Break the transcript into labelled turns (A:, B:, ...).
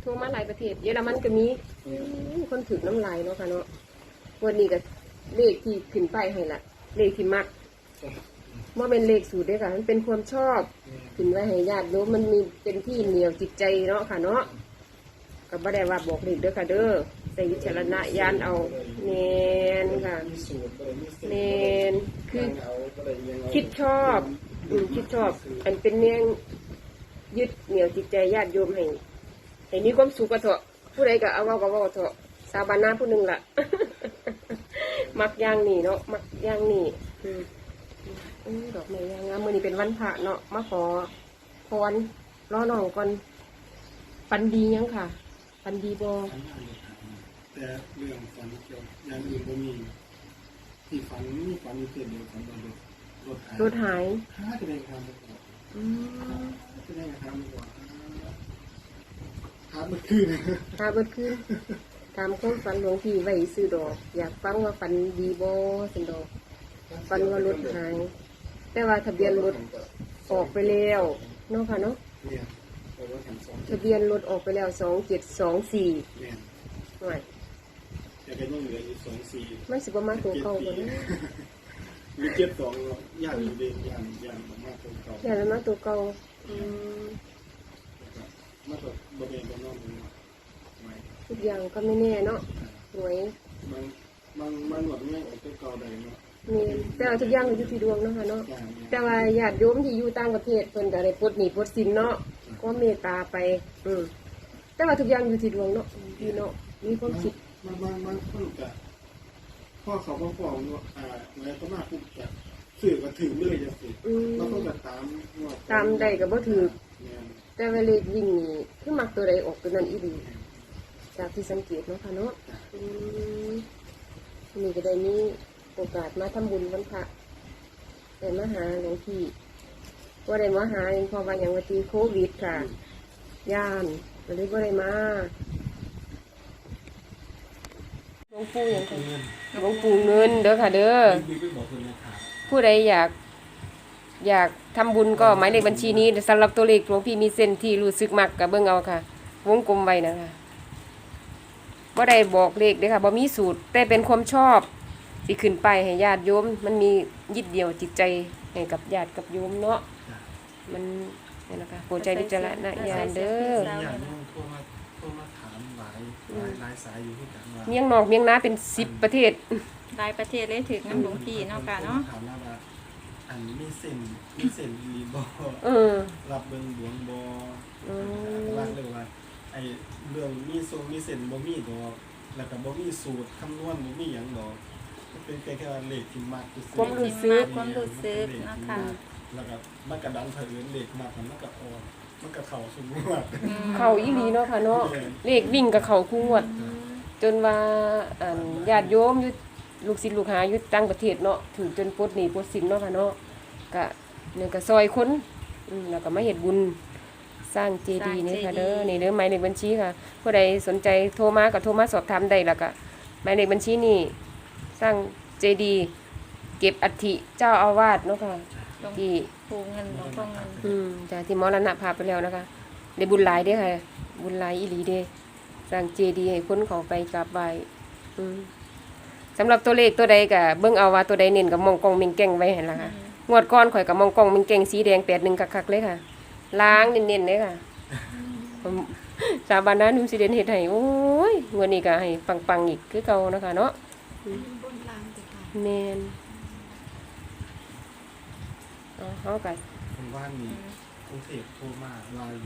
A: ทั่วมาหลายประเทศเยอรมันก็มีคนถือน้ำลายเนาะค่ะเนาะวันนี้ก็เลขที่ขึ้นไปให้ละเลขที่มักว่าเป็นเลขสูตรด้วยค่ะมันเป็นความชอบขึ้นไว้ให้ญาติโยมมันมีเป็นที่เหนียวจิตใจเนาะค่ะเนาะก็บ่ได้ว่าบอกเลขเด้อค่ะเด้อใส่วิจารณญาณเอาเน้นค่ะเน้นคือคิดชอบคิดชอบอันเป็นเนียงยึดเหนี่ยวจิตใจญาติโยมให้มีความสุขก็เถอะผู้ใดก็เอาเว้าเถอะสาบานหน้าผู้หนึ่งล่ะ มักย่างนี่เนาะมักย่างนี่ดอกไม้ย่างงามมื้อนี้เป็นวันพระเนาะมาขอพรรอน้องก่อนปันดียังค่ะปันดีบ่
B: แต่เรื่องฝันเกี่ยวอย่างอื่นบ่มีที่ฝันมีฝันอยู่เพียงเดียวฝันว่ารถหายจะได้ทำดีกว่าจะได้ทำดีกว่าหาเบิดคืน
A: ถามความฝันหลวงพี่ไว้ซื้อดอกอยากฟังว่าฝันดีบ่สิดอกฝันว่ารถหายแต่ว่าทะเบียนรถออกไปแล้วเนาะค่ะเนาะทะเบียนรถออกไปแล้ว2724
B: เนี่ย
A: หน่อย
B: แต่ก็ยังเหลืออยู่24
A: มันสิประมาณตัวเก่าบ่นะ
B: มี72ย่างอยู่ดีย่างมากตัวเก่า
A: ย่างมาตัวเก่า
B: มาตัวบ่เป็นบ่นอนไม่
A: ทุกอย่างก็ไม่แน่เนาะหวย
B: บางหมดเนี่ยออกตัวเก่าได้เนาะ
A: นี่แต่ว่าทุกอย่างอยู่ที่ดวงเนาะค่ะเนาะแต่ว่าญาติโยมที่อยู่ต่างประเทศเพิ่นก็ได้ปลดหนี้ปลดสินเนาะก็เมตตาไปแต่ว่าทุกอย่างอยู่ที่ดวงเนาะพี่เนาะมีความคิด
B: บางคนก็พ่อเขาก็ฟ้องว่าแล้วก็มาปุ๊บจะสื่อก็ถึงเลยจังซี่แล้วก็ตาม
A: ได้ก็บ่ถูกแต่ว่าเลขวิ่งนี่คือมักตัวใดออกตัวนั้นอีหลีจากที่สังเกตเนาะค่ะเนาะนี่ก็ได้มีโอกาสมาทำบุญวันพระแต่มาหาหลวงพี่ว่าได้มาหาเองเพราะว่าอย่างวันที่โควิดค่ะย่านก็เลยว่าได้มาหลวงปู่อย่างไรหลวงปู่เงินเด้อค่ะเด้อผู้ใดอยากทำบุญก็หมายเลขบัญชีนี้สำหรับตัวเลขหลวงพี่มีเส้นที่รู้สึกมักกับเบิ่งเอาค่ะวงกลมไว้นะคะบ่ได้บอกเลขเด้อค่ะบ่มีสูตรแต่เป็นความชอบสิขึ้นไปให้ญาติโยมมันมียึดเดี่ยวจิตใจให้กับญาติกับโยมเนาะมันนี่นะคะโปรดใจวิจารณญาณเด้อ
B: โทรมาถามหลายสายอยู่ที่กันว่า
A: เมียงนอกเมียงนาเป็น10ประเทศ
C: หลายประเทศเลยถึงน้ำหลวงพี่เนาะค่ะเนาะ
B: ถามว่าอันมีเส้นดีบ่รับเบิ่งดวงบ่ว่าเลยว่าไอ้เรื่องมีเส้นบ่มีดอกแล้วก็บ่มีสูตรคำนวณบ่มีหยังดอกเป็นแค่เลขที่มาก
A: ความรู้สึก
C: นะคะ
B: แล้วก็มันก็ดันเผยเลขมากมันก็ออกมันก็เข้าสมมุติ
A: เข้าอีหลีเนาะค่ะเนาะเลขวิ่งกับเข้าคู่งวดจนว่าญาติโยมอยู่ลูกศิษย์ลูกหาอยู่ต่างประเทศเนาะถึงจนปลดหนี้ปลดสินเนาะค่ะเนาะก็เนี่ยก็ซอยคนแล้วก็มาเฮ็ดบุญสร้างเจดีย์นี่ค่ะเด้อนี่เด้อหมายเลขบัญชีค่ะผู้ใดสนใจโทรมาก็โทรมาสอบถามได้แล้วก็หมายเลขบัญชีนี่สร้างเจดีย์เก็บอัฐิเจ้าอาวาสเนาะค่ะที่
C: ปูเงินหลวงพ่อเงิน
A: จ้ะที่มรณภาพไปแล้วนะคะได้บุญหลายเด้อค่ะบุญหลายอีหลีเด้สร้างเจดีย์ให้คนเข้าไปกราบไหว้สำหรับตัวเลขตัวใดก็เบิ่งเอาว่าตัวใดเน้นกับมองกล้องมิงแก้งไว้หั่นล่ะค่ะงวดก่อนข่อยกับมองกล้องมิงแก้งสีแดง81คักๆเลยค่ะล้างเน้นๆเลยค่ะสาบานนะนุ่มสิเด่นเฮ็ดให้โอ้ยงวดนี้ก็ให้ปังๆอีกคือเก่านะคะเนาะแม่นเฮาก็
B: ว่ามีกรุงเทพโทรมาว่า